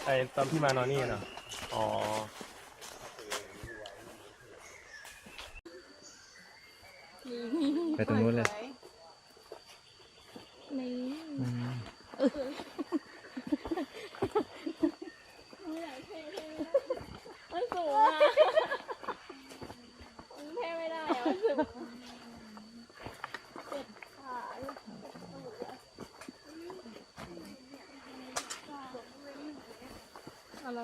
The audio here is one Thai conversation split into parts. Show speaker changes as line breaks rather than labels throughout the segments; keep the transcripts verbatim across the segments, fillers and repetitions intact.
ไอตอนพี่มานอนนี่เนาะอ๋อ
ไปตรงนู้นเลย
นี่
อืม
มันสูงอ่ะมันเท่ไม่ได้อะมันสูงเจ็บขาอะไร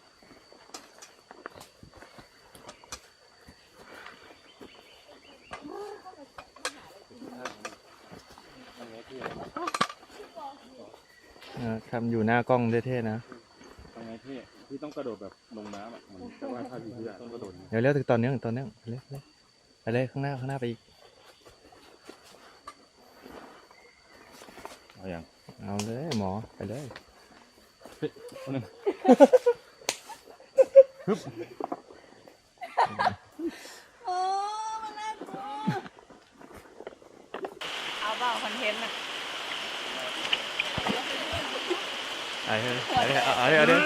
อ่าครับอยู่หน้ากล้องเท่ๆนะ
ทำไงพี่พี่ต้องกระโดดแบบลงน้ำอ่ะมันแต่ว่าถ้าพี่พี่ต้องกระโดด
เดี๋ยวเลี้ยวถึงตอนนี้ถึงตอนนี้ไปเลยไปเลยข้างหน้าข้างหน้าไปอีก
เอาอย่าง
เอาเลยหมอไปเลย
นึงฮึบ
โอ้มันน่ากลัวเอาเปล่าคอนเทนต์อ่ะ
ไปเลยไปเลยเอาเลยเอาเลย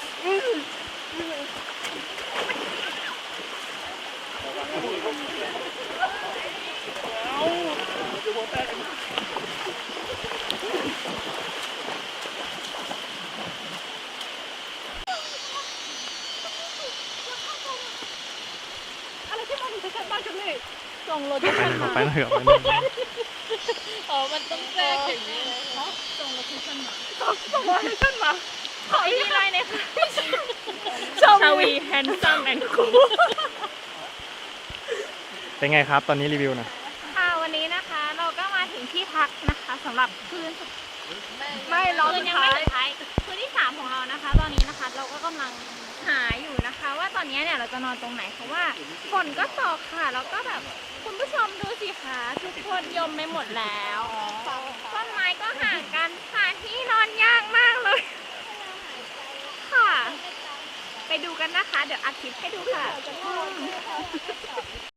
อะไรที่มันจะชัดมากจังเลยส่งโลเค
ไป
ชั่น
เลย
มา
ไปเลยไปเลย
อ๋อมันต้องแทรกอย่างนี้เลยส่งโลเคชั่นมาส่งโลเคชั่นมาขออีกไลน์เลยค่ะชาวีแฮนซัมแอนด์คูล
เป็นไงครับตอนนี้รีวิวหนะ
ค่ะวันนี้นะคะเราก็มาถึงที่พักนะคะสำหรับคืนสุดไม่เราคืนยังไม่สุดท้ายคืนที่สามของเรานะคะ ตอนนี้นะคะเราก็กำลังหาอยู่นะคะ ว่าตอนนี้เนี่ยเราจะนอนตรงไหนเพราะว่าฝนก็ตกค่ะแล้วก็แบบคุณผู้ชมดูสิคะทุกคนยมไม่หมดแล้วต้นไม้ก็ห่างกันค่ะที่นอนยากมากเลยค่ะ ไปดูกันนะคะ เดี๋ยวอัดคลิปให้ดูค่ะ